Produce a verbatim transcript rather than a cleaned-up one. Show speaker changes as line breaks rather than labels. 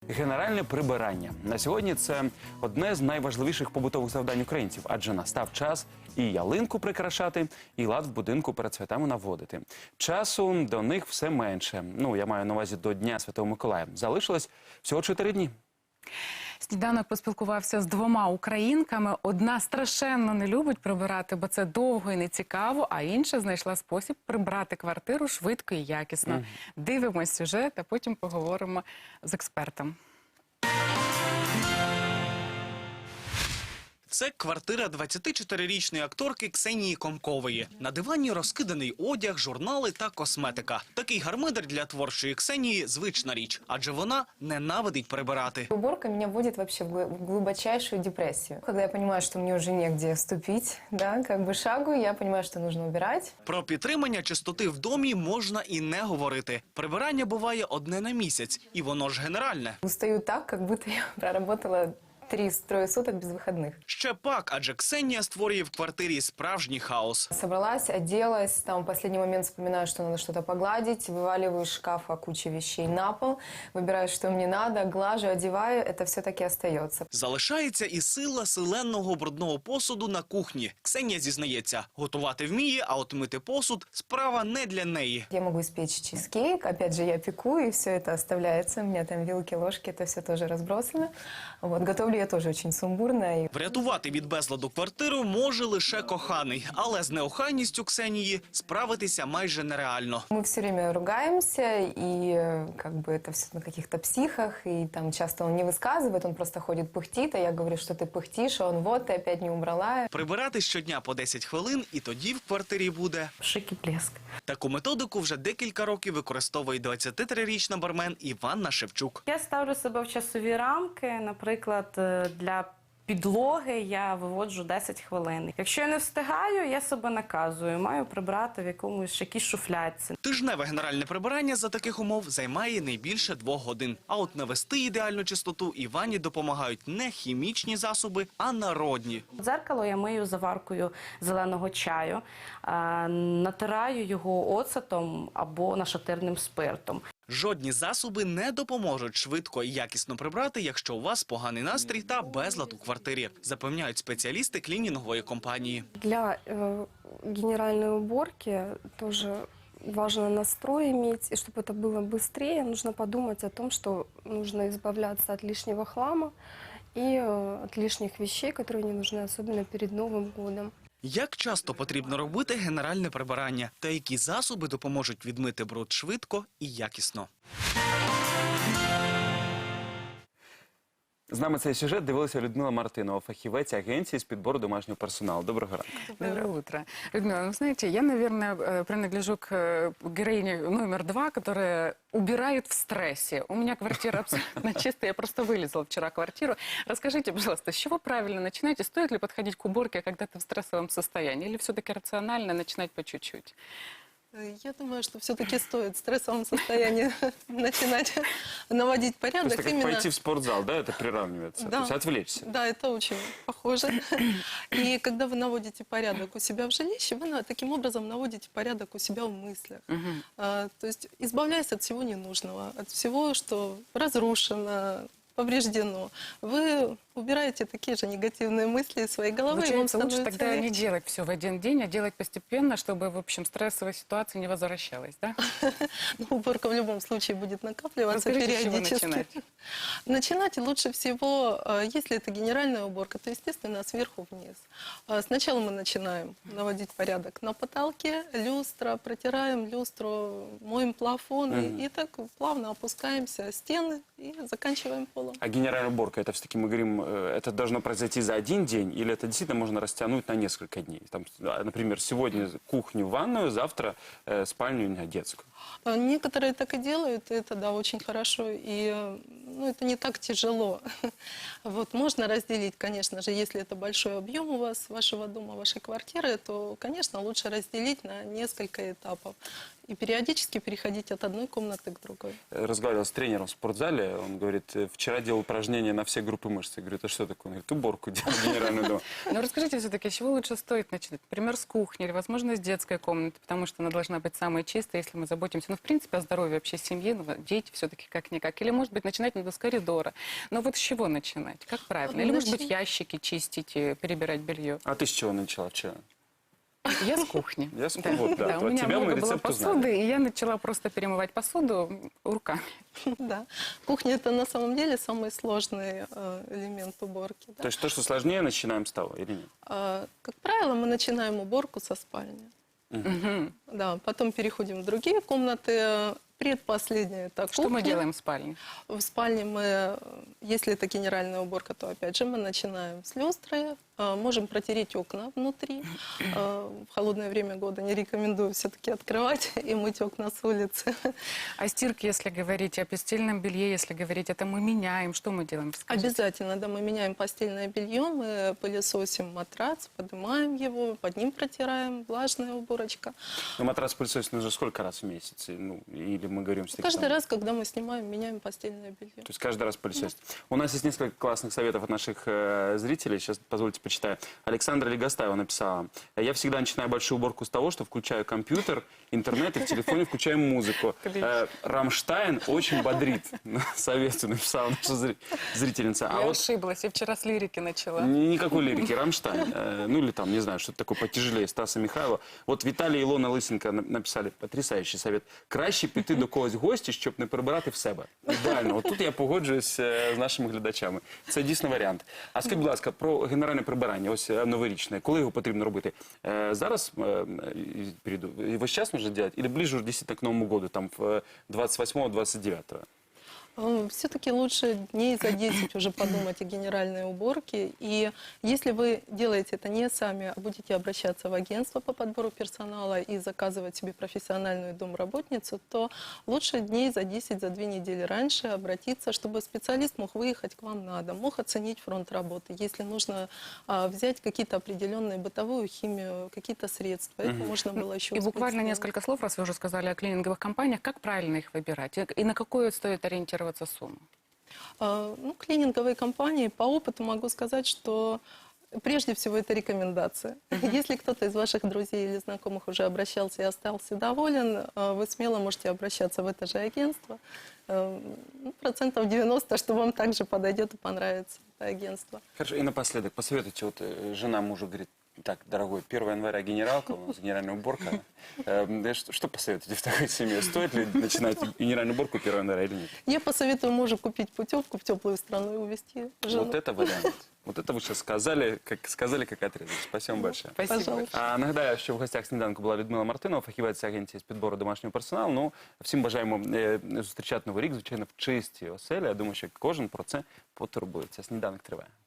Генеральне прибирання. На сьогодні це одне з найважливіших побутових завдань українців, адже настав час і ялинку прикрашати, і лад в будинку перед святами наводити. Часу до них все менше. Ну, я маю на увазі до Дня Святого Миколая. Залишилось всього чотири дні.
Сніданок поспілкувався з двома українками. Одна страшенно не любить прибирати, бо це довго і нецікаво, а інша знайшла спосіб прибрати квартиру швидко і якісно. Mm. Дивимось сюжет, а потім поговоримо з експертом.
Це квартира двадцятичотирирічної акторки Ксенії Комкової. На дивані розкиданий одяг, журнали та косметика. Такий гармидер для творчої Ксенії – звична річ, адже вона ненавидить прибирати.
Уборка меня вводит вообще в глубочайшую депрессию. Когда я понимаю, что мне уже негде ступить, да, как бы шагу, я понимаю, что нужно убирать.
Про підтримання чистоти в домі можна і не говорити. Прибирання буває одне на місяць, і воно ж генеральне.
Устаю так, как будто я проработала три-трое суток без выходных.
Ще пак, адже Ксенія створює в квартирі справжній хаос.
Собралась, оделась, там в последний момент вспоминаю, что надо что-то погладить, вываливаю из шкафа кучу вещей на пол, выбираю, что мне надо, глажу, одеваю, это все-таки остается.
Залишається і сила селенного брудного посуду на кухні. Ксенія зізнається, готувати вміє, а от мити посуд – справа не для неї.
Я могу испечь чизкейк, опять же, я пеку, и все это оставляется. У меня там вилки, ложки, это все тоже разбросано. Вот, готовлю я тоже очень сумбурно.
Врятувати від безладу квартиру може лише коханий, але з неохайністю Ксенії справитися майже нереально.
Мы все время ругаемся, и как бы это все на каких-то психах, и там часто он не высказывает, он просто ходит пыхтит, а я говорю, что ты пыхтишь, а он вот, ты опять не убрала.
Прибирати щодня по десять хвилин, і тоді в квартирі буде
Шик і блеск.
Таку методику вже декілька років використовує двадцятитрирічна бармен Іванна Шевчук.
Я ставлю себе в часові рамки, наприклад, для підлоги я виводжу десять хвилин. Якщо я не встигаю, я себе наказую, маю прибрати в якомусь якійсь шуфлядці.
Тижневе генеральне прибирання за таких умов займає не більше двох годин. А от навести ідеальну чистоту Івані допомагають не хімічні засоби, а народні.
Дзеркало я мию заваркою зеленого чаю, натираю його оцетом або нашатирним спиртом.
Жодні засоби не допоможуть швидко і якісно прибрати, якщо у вас поганий настрій та безлад у квартирі, запевняють спеціалісти клінінгової компанії.
Для э, генеральной уборки тоже важно настрой иметь, и чтобы это было быстрее, нужно подумать о том, что нужно избавляться от лишнего хлама и э, от лишних вещей, которые не нужны, особенно перед Новым годом.
Як часто потрібно робити генеральне прибирання? Та які засоби допоможуть відмити бруд швидко і якісно?
З нами цей сюжет дивилася Людмила Мартинова, фахівець агенції з підбору домашнього персоналу. Доброго ранку.
Доброе утро. Людмила, ну, знаете, я, наверное, принадлежу к героине номер два, которая убирает в стрессе. У меня квартира абсолютно чистая, я просто вылезла вчера в квартиру. Расскажите, пожалуйста, с чего правильно начинать и стоит ли подходить к уборке, когда ты в стрессовом состоянии, или все-таки рационально начинать по чуть-чуть?
Я думаю, что все-таки стоит в стрессовом состоянии начинать наводить порядок.
То есть, как пойти в спортзал, да, это приравнивается?
Да.
То есть отвлечься?
Да, это очень похоже. И когда вы наводите порядок у себя в жилище, вы таким образом наводите порядок у себя в мыслях.
Угу.
А, то есть избавляясь от всего ненужного, от всего, что разрушено, повреждено. Вы убираете такие же негативные мысли из своей головы.
Получается,
и вам
лучше тогда
легче.
не делать все в один день, а делать постепенно, чтобы, в общем, стрессовая ситуация не возвращалась, да?
Но уборка в любом случае будет накапливаться
Расскажите, с чего
периодически.
начинать?
Начинать лучше всего, если это генеральная уборка, то, естественно, сверху вниз. Сначала мы начинаем наводить порядок на потолке, люстра, протираем люстру, моем плафоны, mm-hmm. и так плавно опускаемся, стены и заканчиваем полом.
А генеральная уборка, это все-таки мы говорим, это должно произойти за один день, или это действительно можно растянуть на несколько дней? Там, например, сегодня кухню, ванную, завтра э, спальню, детскую.
Некоторые так и делают, это, да, очень хорошо, и ну, это не так тяжело. Вот, можно разделить, конечно же, если это большой объем у вас, вашего дома, вашей квартиры, то, конечно, лучше разделить на несколько этапов. и периодически переходить от одной комнаты к другой.
Разговаривал с тренером в спортзале, он говорит, вчера делал упражнения на все группы мышц. Я говорю, это что такое? Он говорит, уборку делал генеральную дома.
Но расскажите все-таки, с чего лучше стоит начать? Например, с кухни или, возможно, с детской комнаты, потому что она должна быть самой чистой, если мы заботимся, ну, в принципе, о здоровье вообще семьи, ну, дети все-таки как-никак. Или, может быть, начинать надо с коридора. Но вот с чего начинать? Как правильно? Или, может быть, ящики чистить и перебирать белье?
А ты с чего начала вчера?
Я с кухни.
Я с кухни, вот, да.
У
От
меня
тебя мы
много было
рецепт
посуды,
узнали.
и я начала просто перемывать посуду руками.
Да. Кухня – это на самом деле самый сложный э, элемент уборки. Да.
То есть то, что сложнее, начинаем с того или нет?
А, как правило, мы начинаем уборку со спальни.
Мгм.
Да, потом переходим в другие комнаты. Предпоследняя – это
Что мы
кухня.
делаем в спальне?
В спальне мы, если это генеральная уборка, то опять же мы начинаем с люстры, э, можем протереть окна внутри. Э, В холодное время года не рекомендую все-таки открывать и мыть окна с улицы.
О стирке, если говорить, о постельном белье, если говорить, это мы меняем. Что мы делаем? Скажите.
Обязательно, да, мы меняем постельное белье, мы пылесосим матрац, поднимаем его, под ним протираем, влажная уборочка.
Ну, матрас пылесосить нужно сколько раз в месяц? Ну, или мы говорим... что
Каждый
там-
раз, когда мы снимаем, меняем постельное белье.
То есть каждый раз пылесосить. У нас есть несколько классных советов от наших э, зрителей. Сейчас, позвольте, почитаю. Александра Легостаева написала. Я всегда начинаю большую уборку с того, что включаю компьютер, интернет и в телефоне включаю музыку. Э, Рамштайн очень бодрит. Советую, написала наша зри- зрительница.
Я
А вот
ошиблась, я вчера с лирики начала.
ни- никакой лирики. Рамштайн. Э, Ну или там, не знаю, что-то такое потяжелее Стаса Михайлова. Вот Віталій і Ілона Лисенко на- написали потрясающий совет. Краще піти до когось в гості, щоб не прибирати в себе. Ідеально. От тут я погоджуюсь е, з нашими глядачами. Це дійсно варіант. А скажіть, будь ласка, про генеральне прибирання, ось е, новорічне. Коли його потрібно робити? Е, Зараз е, і перейду. І весь час можна робити? Или ближе уже дійсно к Новому году, там в двадцать восьмого — двадцать девятого?
Все-таки лучше дней за десять уже подумать о генеральной уборке. И если вы делаете это не сами, а будете обращаться в агентство по подбору персонала и заказывать себе профессиональную домработницу, то лучше дней за десять, за две недели раньше обратиться, чтобы специалист мог выехать к вам на дом, мог оценить фронт работы. Если нужно а, взять какие-то определенные бытовую химию, какие-то средства, это можно было еще
И
успеть
буквально
сделать.
несколько слов, раз вы уже сказали о клининговых компаниях, как правильно их выбирать? И- И на какую стоит ориентироваться сумму?
А, Ну, клининговые компании, по опыту могу сказать, что прежде всего это рекомендация. Если кто-то из ваших друзей или знакомых уже обращался и остался доволен, а, вы смело можете обращаться в это же агентство. А, ну, процентов девяносто, что вам также подойдет и понравится это агентство.
Хорошо, и напоследок, посоветуйте, вот э, жена мужу говорит, так, дорогой, первого января генералка, у нас генеральная уборка. Э, да Что что посоветуете в такой семье? Стоит ли начинать генеральную уборку первого января или нет?
Я посоветую мужу купить путевку в теплую страну и увезти жену.
Вот это варіант. Вот это вы сейчас сказали, как, сказали, как отрезать. Спасибо вам большое.
Спасибо.
Пожалуйста.
А, нагадаю, що в гостях сніданку була Людмила Мартинова, фахівець агенції з підбору домашнього персоналу. Ну, всім бажаємо е, зустрічати новий рік, звичайно, в чистій оселі. Я думаю, що кожен про це потурбується. Сніданок триває.